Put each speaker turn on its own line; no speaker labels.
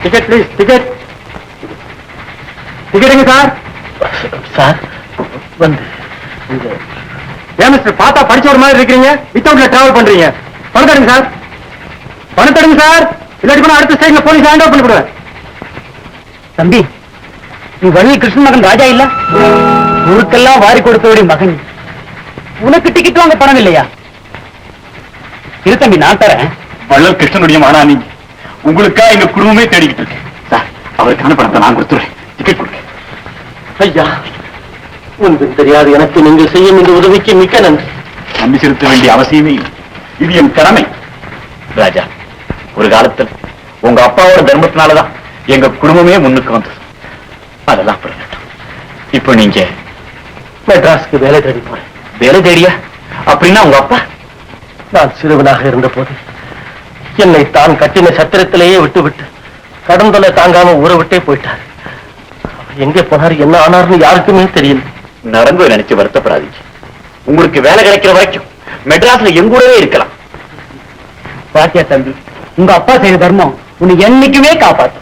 Ticket please, ticket. டிக்கெட்டுங்க sir.
Sir வந்து
ஏன் மிஸ்டர் பார்த்தா படிச்ச ஒரு மாதிரி இருக்கிறீங்க, வித்தவுட்ல டிராவல் பண்றீங்க? பணம் தடுங்க சார், பணம் தடுங்க சார், இல்லாட்டி கூட அடுத்த ஸ்டேஷன்ல போலீஸ் ஹேண்ட் ஓவர் பண்ணி விடுவேன்.
தம்பி, நீ வள்ளி கிருஷ்ணன் மகன் ராஜா இல்ல? ஊருக்கெல்லாம் வாரி கொடுத்தவருடைய மகன். உனக்கு டிக்கெட் வாங்க பணம் இல்லையா? இரு தம்பி, நான் தரேன்.
வள்ளல் கிருஷ்ணனுடைய மகனா நீங்க? உங்களுக்கா எங்க குடும்பமே தேடிக்கிட்டு இருக்கு சார். அவருக்கான பணத்தை நான் கொடுத்துறேன். டிக்கெட் கொடுங்க.
ஐயா, ஒன்றும் தெரியாது எனக்கு நீங்கள் செய்யும் இந்த உதவிக்கு மிக்க நன்றி.
நன்றி செலுத்த வேண்டிய அவசியமே இல்லை. இது என் கடமை.
ராஜா, ஒரு காலத்தில் உங்க அப்பாவோட தர்மத்தினாலதான் எங்க குடும்பமே முன்னுக்கு வந்தது. அதெல்லாம் புரியட்டும். இப்போ நீங்க மெட்ராஸ்க்கு வேலை தேடி போறேன். வேலை தேடியா? அப்படின்னா உங்க அப்பா? நான் சிறுவனாக இருந்த போது என்னை தான் கட்டின சத்திரத்திலேயே விட்டு கடந்தலை தாங்காம ஊரை விட்டே போயிட்டார். எங்கே போனார், என்ன ஆனார்னு யாருக்குமே தெரியல. நடந்து நினைச்சு வருத்தப்படாதீங்க. உங்களுக்கு வேலை கிடைக்கிற வரைக்கும் மெட்ராஸ்ல எங்கூடவே இருக்கலாம். பாத்தியா தம்பி, உங்க அப்பா செய்த தர்மம் உன்னை என்னைக்குமே காப்பாற்றும்.